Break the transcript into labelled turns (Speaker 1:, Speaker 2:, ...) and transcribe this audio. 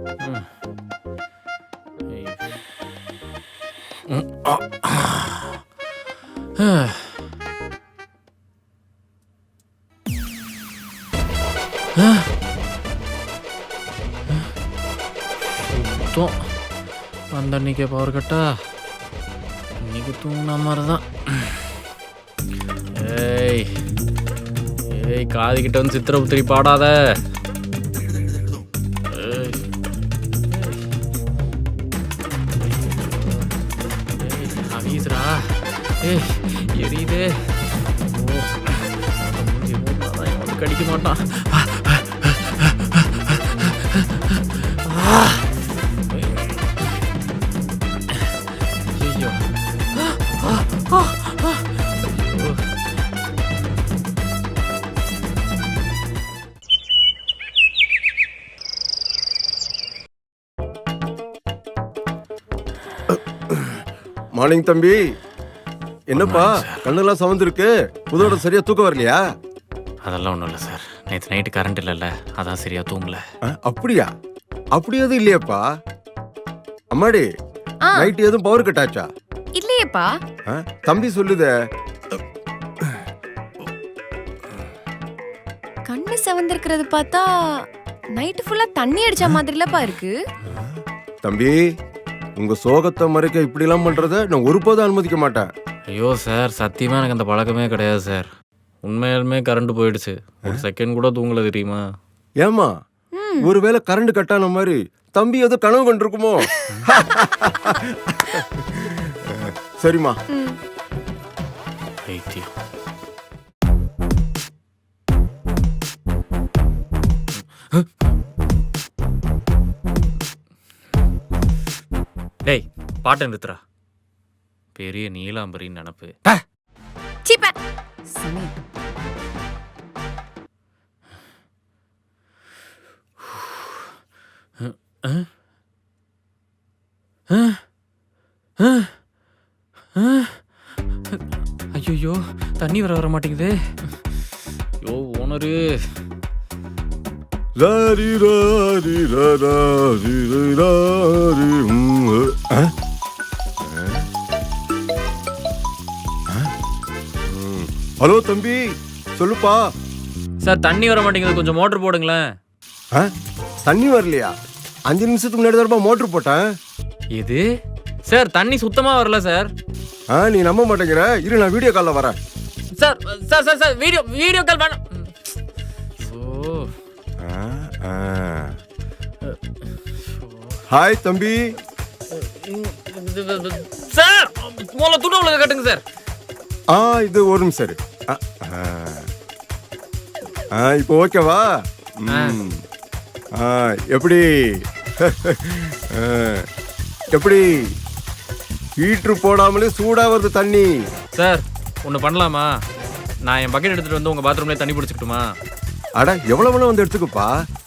Speaker 1: சுத்தம் அந்த அன்னைக்கே பவர் கட்டா இன்னைக்கு தூங்கின மாதிரி தான். ஏய் ஏய் காதுகிட்ட வந்து சித்திரபுத்திரி பாடாத. அவீசரா ஏய் எரியுதே. ஓ கடிக்க மாட்டான். ஐயோ
Speaker 2: மார்னிங் தம்பி. என்னப்பா கண்ணெல்லாம் சவந்திருக்கு, புதோட சரியா தூக்கம் வரலையா?
Speaker 1: அதெல்லாம் ஒன்றும் இல்லை சார், நேற்று நைட்டு கரண்ட் இல்லைல்ல, அதான் சரியா தூங்கல.
Speaker 2: அப்படியா? அப்படி எதுவும் இல்லையாப்பா? அம்மாடி நைட் எதுவும் பவர் கட் ஆச்சா?
Speaker 3: இல்லையேப்பா.
Speaker 2: தம்பி சொல்லுதே.
Speaker 3: கண்ணு செவந்திருக்கிறது பார்த்தா நைட் ஃபுல்லா தண்ணி அடிச்ச மாதிரிலப்பா இருக்கு.
Speaker 2: தம்பி உங்க சோகத்தை மறைக்க இப்படி எல்லாம் பண்றத நான் ஒருபோதும் அனுமதிக்க மாட்டேன்.
Speaker 1: ஐயோ சார், சத்தியமாக எனக்கு அந்த பழக்கமே கிடையாது சார். உண்மையாலுமே கரண்ட் போயிடுச்சு, ஒரு செகண்ட் கூட தூங்கல தெரியுமா?
Speaker 2: ஏமா ஒருவேளை கரண்ட் கட்டான மாதிரி தம்பி ஏதோ கனவு கண்டிருக்குமோ? சரிம்மா.
Speaker 1: ஐத்தியம். டேய் பாட்டை நிறுத்துறா. பெரிய நீலாம்பரின்னு நினப்பு.
Speaker 3: சீப்ப
Speaker 1: ஐயோ தண்ணி வர மாட்டேங்குது. ஐயோ ஓனரு.
Speaker 2: ஹலோ தம்பி சொல்லுப்பா.
Speaker 1: சார் தண்ணி வர மாட்டேங்குது, கொஞ்சம் மோட்டர் போடுங்களேன்.
Speaker 2: தண்ணி வரலையா? 5 நிமிஷத்துக்கு முன்னாடி தான் மோட்டர் போட்டேன்.
Speaker 1: இது சார் தண்ணி சுத்தமா வரல சார்.
Speaker 2: நீ நம்ப மாட்டேங்கிற, இரு நான் வீடியோ கால்ல வரேன்.
Speaker 1: Sir sir sir sir video call வேணாம்.
Speaker 2: ஹாய் தம்பி.
Speaker 1: சார் முதல்ல துணி உள்ள கட்டுங்க சார்.
Speaker 2: இது ஒரு நிமிஷம் சரி. இப்போ ஓகேவா? எப்படி எப்படி ஹீட்ரு போடாமலே சூடா வருது தண்ணி.
Speaker 1: சார் ஒன்று பண்ணலாமா? நான் என் பக்கெட் எடுத்துட்டு வந்து உங்க பாத்ரூம்லேயே தண்ணி பிடிச்சிக்கிட்டுமா?
Speaker 2: அட எவ்வளவு வந்து எடுத்துக்கப்பா.